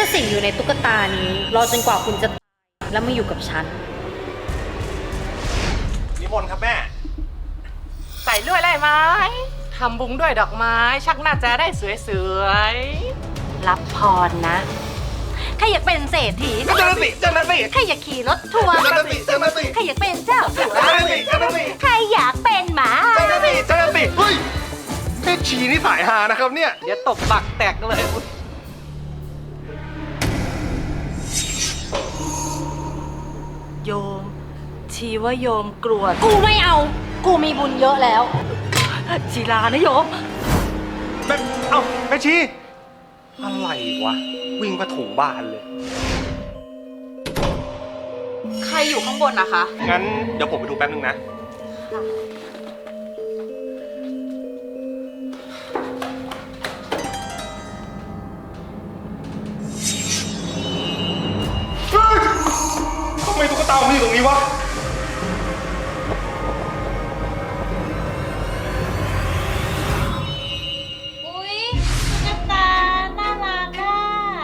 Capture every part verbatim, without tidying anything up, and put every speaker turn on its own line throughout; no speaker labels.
สิงอยู่ในตุ๊กตานี้รอจนกว่าคุณจะแล้วมาอยู่กับฉัน
นิมนต์ครับแม่
ใส่ด้วยอะไรไหมทำบุญด้วยดอกไม้ชักหน้าจะได้สวยๆรับพรนะใครอยากเป็นเศรษฐี
เจ้าหน้าที่เจ้าหน้าที่
ใครอยากขี่รถทัวร์
เจ้าหน้าที่เจ้าหน้าที่
ใครอยากเป็นเจ้าสัว
เจ้าหน้าที่เจ้าหน้าที่
ใครอยากเป็นหมา
เจ้าหน้าที่เจ้าหน้าที่เฮ้ยแม่ชีนี่สายฮานะครับเนี่ย
เดี๋ยวตบปักแตกเลยโยมชีว่าโยมกลัว
กูไม่เอากูมีบุญเยอะแล้ว
ชีลานะโยม
แม่เอ้าแม่ชีอะไรวะวิ่งมาถูบ้านเลย
ใครอยู่ข้างบนนะคะ
งั้นเดี๋ยวผมไปดูแป๊บนึงนะเฮ้ยทำไมตุ๊กตามันอยู่ตรงนี้วะ
อุ๊ยตุ๊กตาน่ารักอ่ะ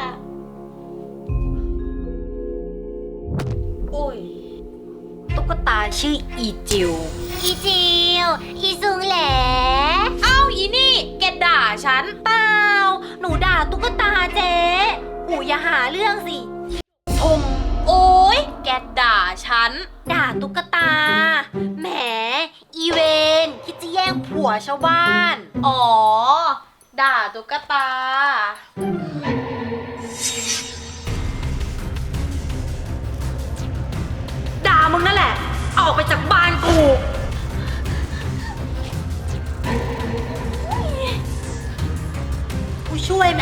อุ้ยตุ๊กตาชื่ออีจิวอีจิวอีซุงแหลเอ้าอีนี่แกด่าฉันเปล่าหนูด่าตุ๊กตาเจ๊อูอย่าหาเรื่องสิทมโอ๊ยแกด่าฉันด่าตุ๊กตาแหมอีเวนคิดจะแย่งผัวชาวบ้านอ๋อด่าตุ๊กตาด่ามึงนั่นแหละออกไปจากบ้านกูกูช่วยไหม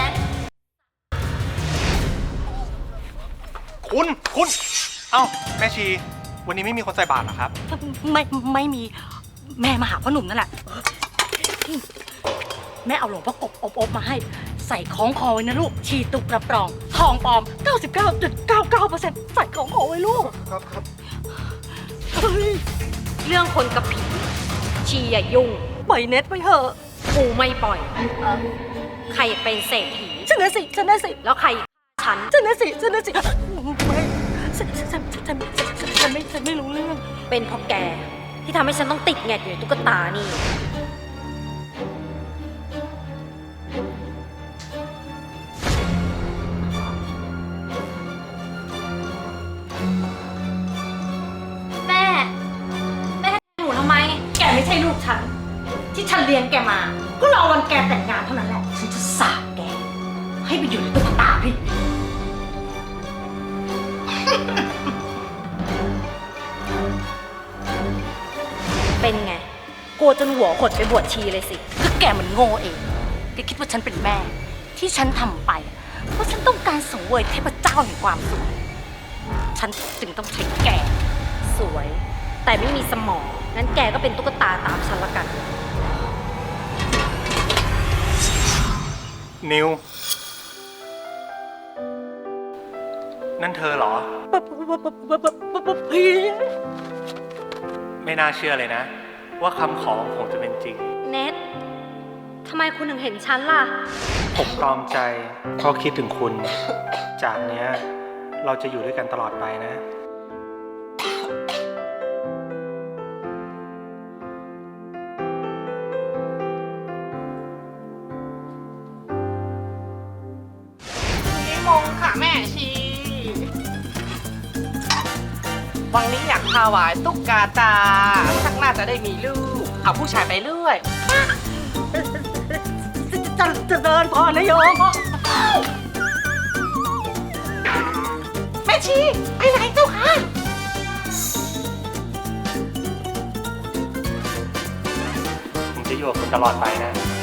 คุณคุณเอ้าแม่ชี วันนี้ไม่มีคนใส่บาตรเหรอครับ
ไม่ไม่มีแม่มาหาพ่อหนุ่มนั่นแหละแม่เอาหลวงพ่อกบอบอบมาให้ใส่ของคอไว้นะลูกชีตุกกระปรองทองปลอม เก้าสิบเก้าจุดเก้าเก้าเปอร์เซ็นต์ ใส่ของคอไว้ลูก
ครับครับ
เฮ้ย
เรื่องคนกับผีชีอย่ายุ่ง
ปล่อยเน็ตไปเถอะ
กูไม่ปล่อยเออใครอยากเป็นเศรษฐี
ฉันนะสิฉันนะสิ
แล้วใครฉัน
ฉันนะสิฉันนะสิไม่ฉันฉันฉันฉันฉันฉันไม่ฉันไม่รู้เรื่อง
เป็นเพราะแกที่ทำให้ฉันต้องติดแงกอยู่ในตุ๊กตานี่แม่แม่หนูทำไม
แกไม่ใช่ลูกฉัน ที่ฉันเลี้ยงแกมา ก็รอวันแกแต่งงานเท่านั้นแหละ ฉันจะสาบแก ให้ไปอยู่ในตุ๊กตาพี่
เป็นไงกลัวจนหัวขดไปบวชชีเลยสิ
ก็แกมันโง่เองแกคิดว่าฉันเป็นแม่ ที่ฉันทำไป เพราะฉันต้องการสังเวยเทพเจ้าแห่งความสุข ฉันจึงต้องใช้แก
สวย แต่ไม่มีสมองงั้นแกก็เป็นตุ๊กตาตามฉันละกัน
นิว นั่นเธอเหรอ ไม่น่าเชื่อเลยนะ ว่าคำขอของผมจะเป็นจริง
เน็ตทำไมคุณถึงเห็นฉันล่ะ
ผมตรอมใจเพราะคิดถึงคุณ จากเนี้ยเราจะอยู่ด้วยกันตลอดไปนะ
นิมงค่ะแม่ชีวันนี้อยากถวายตุ๊กตาตาชักน่าจะได้มีลูก เอาผู้ชายไปเรื่อยจะจะเดินพอนะโยมแม่ชีไปไหนเจ้าค่ะ
ผมจะอยู่กับคุณตลอดไปนะ